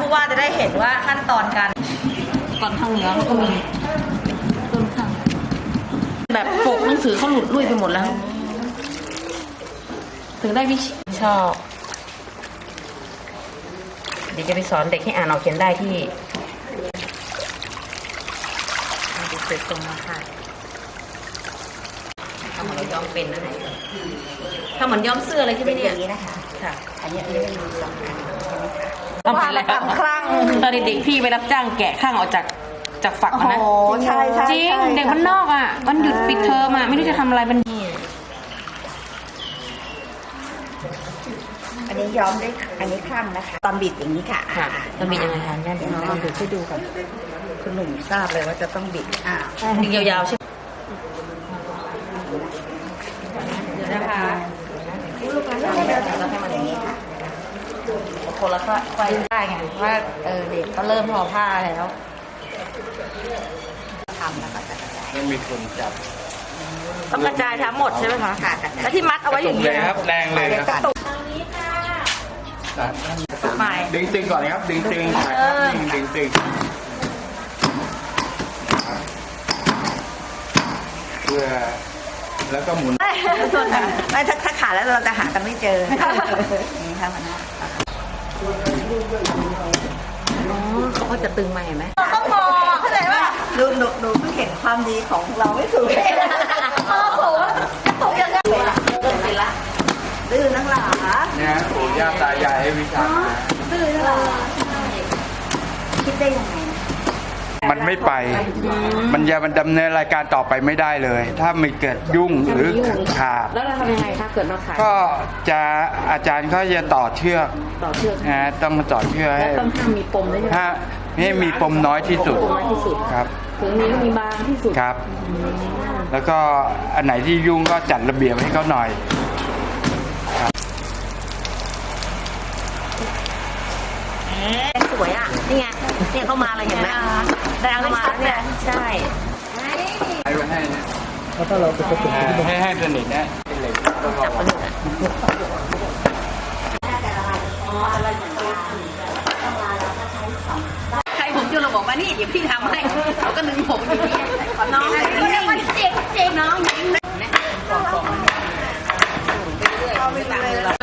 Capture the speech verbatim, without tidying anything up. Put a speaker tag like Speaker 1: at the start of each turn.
Speaker 1: ผู้ว่าจะได้เห็นว่าขั้นตอนการ
Speaker 2: ก่อนทางเหนือเขาก็มีต้นข้างแบบปกหนังสือเขาหลุดลุ่ยไปหมดแล้ว ถึงได้วิชอบเดี๋ยวจะไปสอนเด็กให้อ่านออกเขียนได้ที่ดูเสร็จตรงมาค่ะทำเหมือนเราย้อมเป็นนะไหนทำเหมือนย้อมเสื้ออะไรที่ไม่เนี่ยนี้นะคะค่ะอันนี้อันนี้ไม่มีสองอันต้องเป็นแล้วคลั่งตอนเด็กๆพี่ไปรับจ้างแกะข้างออกจากจากฝักมันนะ
Speaker 1: โอ้ใช่ใช่
Speaker 2: จริงเด็กบ้านนอกอ่ะวันหยุดปิดเทอมอ่ะไม่รู้จะทำอะไรมันนี่
Speaker 3: อันนี้ย้อมได้อันนี้คลั่งนะคะตอนบิดอย่างนี้ค่ะ
Speaker 2: ค่ะมันมียังไงคะย่าเดี๋
Speaker 3: เดี๋
Speaker 2: ย
Speaker 3: ยว ว
Speaker 2: น้
Speaker 3: น้
Speaker 2: อ
Speaker 3: อง ง
Speaker 2: ดู
Speaker 3: ดูช่วยดูก่อนคุณหนุ่มทราบเลยว่าจะต้องบิดอ่า
Speaker 2: ดึงยาวๆใช่ไหมเดี๋ยวนะคะ
Speaker 3: เราให้มันอย่างนี้ค่ะ
Speaker 2: คนละไฟได้ไงว่าเออเด็กก็เริ่มทอผ้าแล้ว
Speaker 3: ทำแล้วก็จะกระจาย
Speaker 4: ไม่มีคนจับ
Speaker 1: ต้องกระจายทั้งหมดใช่ไหมคะ
Speaker 3: ค่ะกระจาย
Speaker 1: แล้วที่มัดเอาไว้อย่าง
Speaker 4: เล
Speaker 1: นี้
Speaker 4: ยครับแรงเลยครับ
Speaker 3: กระตุก
Speaker 1: ใหม่
Speaker 4: ดึงตึงก่อนนะครับดึงตึงดึงตึงเพื่อแล้วก็หมุน
Speaker 3: ไม่ถ้าถ้าขาดแล้วเราจะหากันไม่เจอนี่ค่ะมันนะ
Speaker 2: อ๋อเขาก็จะตึงมาเห็นไหม
Speaker 1: ต้องมองเข้าใจป่ะ
Speaker 3: ดูหนูหนูเพิ่งเห็นความดีของเราไม่ถูก
Speaker 1: โอ้โหกระตุกยังไง
Speaker 2: เริ่มเป็นละ
Speaker 3: ดื้อนักหลา
Speaker 4: เนี่ยปู่ย่าตายายให้วิชามา
Speaker 3: ดื้อนักหลาคิดได้ยังไง
Speaker 4: มันไม่ไป มันจะมันดำเนินรายการต่อไปไม่ได้เลย ถ้าไม่เกิดยุ่งหรือขาด
Speaker 2: แล้วเราทำยังไงคะเกิดมาขาย
Speaker 4: ก็จะอาจารย์เขาจะต่อเชือก
Speaker 2: ต่อเชือก
Speaker 4: นะต้องมาต่อเชือก
Speaker 2: และ
Speaker 4: ให้
Speaker 2: ต้องห้ามมีปมด้วยใช่ไหม
Speaker 4: ถ้าให้มีปมน้อยที่สุด
Speaker 2: ปมน้อยที่สุด
Speaker 4: ครับ
Speaker 2: ถึงมีก็มีบางที่สุด
Speaker 4: ครับ แล้วก็อันไหนที่ยุ่งก็จัดระเบียบให้เขาหน่อย
Speaker 2: สวยอ่ะนี่ไงเนี่ยเข้ามาเลยเห็นไหมแดงเข้ามาเนี่ยใช่
Speaker 4: ให้ไว้ให้นะถ้าเราจะให้ให้สนิทนะเป็นเหล็กแล้วก็
Speaker 2: ใครผมจะเราบอกว่านี่เดี๋ยวพี่ทำให้เขาก็นึงผมอย่างนี้น้องนี่มันเจ็บเจ็บน้องยิงนะไปเรื่อยๆตามมือเรา